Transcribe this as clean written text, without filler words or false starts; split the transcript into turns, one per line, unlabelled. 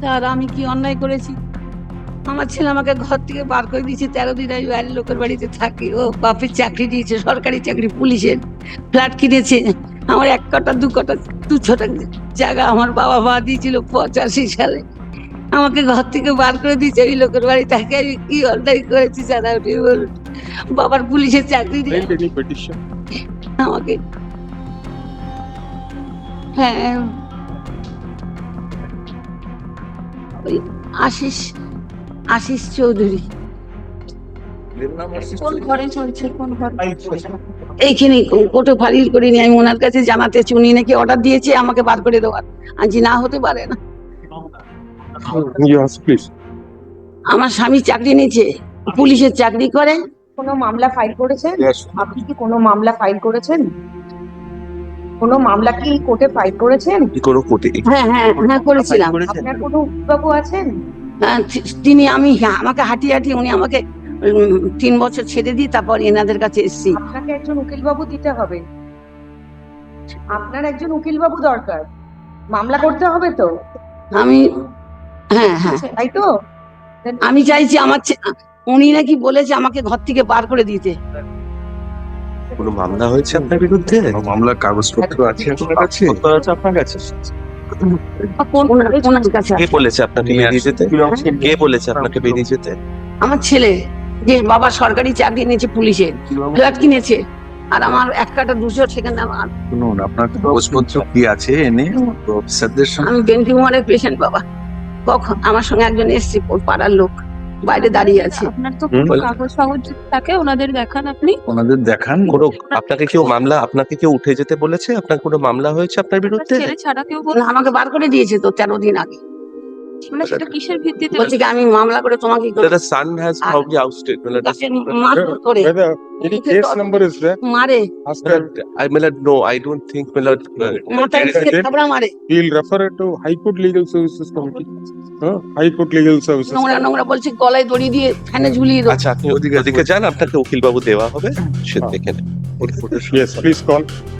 আর আমি কি অন্যায় করেছি? আমার ছেলে আমাকে ঘর থেকে বার করে দিয়েছে, 13 দিন আমি বাইরের লোকের বাড়িতে থাকি। ও বাপের চাকরি দিয়েছে, সরকারি চাকরি, পুলিশের ফ্ল্যাট কিনেছে। আমার 1 কাঠা 2 কাঠা 2 ছটা জায়গা আমার বাবা মা দিয়েছিল 85 সালে। আমাকে ঘর থেকে বার করে দিয়েছে ওই লোকের বাড়ি থেকে। আমি কি অন্যায় করেছি জানা উঠে বলুন। বাবার পুলিশের চাকরি দিয়ে
Any petition?
আমাকে, হ্যাঁ, ওই আশিস আশিস চৌধুরী।
কোন ঘরে চলছে, কোন ঘর?
এইখানে কোর্টে ফাইল করিনি, আমি ওনার কাছে জানাতে চাই, উনি নাকি অর্ডার দিয়েছে আমাকে বার করে দেওয়ার। আজ না হতে পারে না।
Yes, please.
আমার স্বামী চাকরি নিয়েছে, পুলিশের চাকরি করে।
কোনো মামলা ফাইল করেছেন?
Yes.
আপনি কি কোনো মামলা ফাইল করেছেন? কোনো মামলা কি কোর্টে ফাইল করেছেন?
কোনো কোর্টে
হ্যাঁ হ্যাঁ হ্যাঁ করেছিলাম।
আপনার কোনো উকিলবাবু আছেন?
হ্যাঁ, তিনি আমাকে হাঁটিয়ে হাঁটিয়ে উনি আমাকে 3 বছর ছেড়ে দিয়ে তারপর এনাদের কাছে এসেছি।
আপনাকে একজন উকিলবাবু দিতে হবে। আপনার একজন উকিলবাবু দরকার। মামলা করতে হবে তো,
আমি, হ্যাঁ হ্যাঁ,
তাই তো?
আমি চাইছি আমার উনি নাকি বলেছে আমাকে ঘর থেকে বার করে দিতে।
কোনো মামলা হয়েছে আপনার বিরুদ্ধে?
মামলার কাগজপত্র আছে আপনার কাছে?
কত আছে আপনার কাছে?
ওনার কাছে
কে বলেছে আপনাকে বেরিয়ে যেতে? কে বলেছে আপনাকে বেরিয়ে যেতে?
আমার ছেলে, যে বাবা সরকারি চাকরি নিয়েছে, পুলিশের ফ্ল্যাট কিনেছে, আর আমার 1 কাঠা 200 সেখানে আমার।
শুনুন, আপনার কাগজপত্র কি আছে এনে অফিসারদের সঙ্গে?
আমি ব্রেন টিউমারের পেশেন্ট বাবা। কখন আমার সঙ্গে একজন এসছে, পাড়ার লোক বাইরে দাঁড়িয়ে আছে।
আপনার তো কোনো কাগজ ফাগজ থাকে, ওনাদের দেখান আপনি।
ওনাদের দেখান।
কোনো আপনাকে কেউ উঠে যেতে বলেছে? আপনার কোনো মামলা হয়েছে আপনার বিরুদ্ধে?
ছেলে ছাড়া কেউ
না, আমাকে বার করে দিয়েছে তো 13 দিন আগে।
মানে সেটা কিসের ভিত্তিতে?
বলছে কি আমি মামলা করে তোমাকে কি
The son has probably ousted.
গাছের মারধর করে
Whether any case number is there?
মারে,
Ask her.
No, I don't think.
মাথায় নিচে থাবড়া মারে,
We'll refer it to High Court Legal Services Committee. High Court Legal Services.
নোংরা নোংরা বলছে, গলায় দড়ি দিয়ে ফ্যানে ঝুলিয়ে দেবো।
আচ্ছা, আপনি ওদিকে যান, আপনাকে উকিলবাবু দেওয়া হবে, সে দেখে নেন।
Yes, please call.